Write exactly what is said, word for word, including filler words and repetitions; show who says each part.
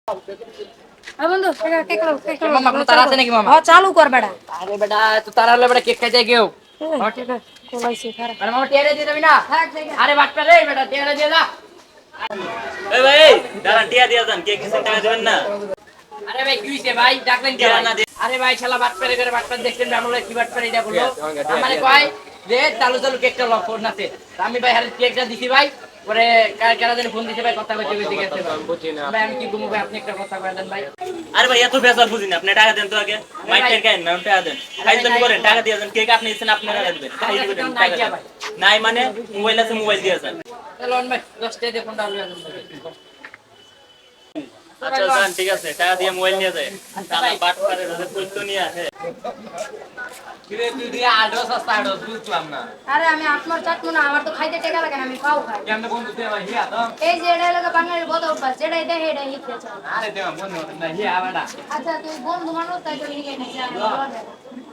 Speaker 1: হ্যাঁ বন্ধু cake cake cake
Speaker 2: মামা কোনো তারা আছে নাকি মামা?
Speaker 1: হ্যাঁ চালু কর বেটা
Speaker 2: আরে বেটা তো তারা হলে বেটা কেক খাইতে কেউ
Speaker 1: হ্যাঁ ঠিক আছে কোলাইছে খারাপ
Speaker 2: আরে মামা টিয়ারে দিয়ে দিবি না
Speaker 1: থাক জায়গা
Speaker 2: আরে বাটপা রে বেটা টিয়ারে দিয়ে দা
Speaker 3: এই ভাই দাঁড়া টিয়া দিয়া যান কে কিছু টাকা দিবেন না
Speaker 2: আরে ভাই কি হইছে ভাই ডাকলেন কে
Speaker 3: টিয়া
Speaker 2: ভাই?
Speaker 3: না দিয়ে
Speaker 2: আরে ভাই শালা বাটপা রে করে বাটপা দেখছেন আমরা কি বাটপা এটা বললো আমারে কয় যে চালু চালু কেকটা লক ফোন নাতে আমি ভাই হারে কেকটা দিছি ভাই পরে কার কারা যেন ফোন দিতে ভাই কথা কইতে কইতে গেছে ভাই আমি কি ঘুমু ভাই আপনি একটা কথা কয়ে দেন ভাই
Speaker 3: আরে ভাই এত বেজার বুঝিনি আপনি টাকা দেন তো আগে মাইকের কেন না টাকা দেন খাই তো করেন টাকা দিয়ে দেন কেক আপনি ইচ্ছেন আপনি টাকা দিবেন খাই দিবেন টাকা দেন নাই মানে মোবাইল আছে মোবাইল দিয়ে যান
Speaker 2: চলুন ভাই দশ টাকা দিয়ে ফোনটা আলু
Speaker 3: আচ্ছা যান ঠিক আছে টাকা দিয়ে মোবাইল নিয়ে যায় তাহলে বাট পারে রোজে কইতো নিয়ে আসে
Speaker 4: কিরে তুই দিয়ে আডো সস্তা আডো বুঝলাম না
Speaker 1: আরে আমি আপনার চাটমু না আমার তো খাইতে টাকা লাগে না আমি খাও খাই
Speaker 4: কেমনে বন্ধু দে ভাই হিয়া তো
Speaker 1: এই যে এটা লাগে বাঙালির বদ অভ্যাস যেটা দেখে এটা হিতে চাও
Speaker 4: আরে দে বন্ধু না হিয়া বাড়া
Speaker 1: আচ্ছা তুই বন্ধু মানুষ তাই তো লিখে নিছে আমি বলে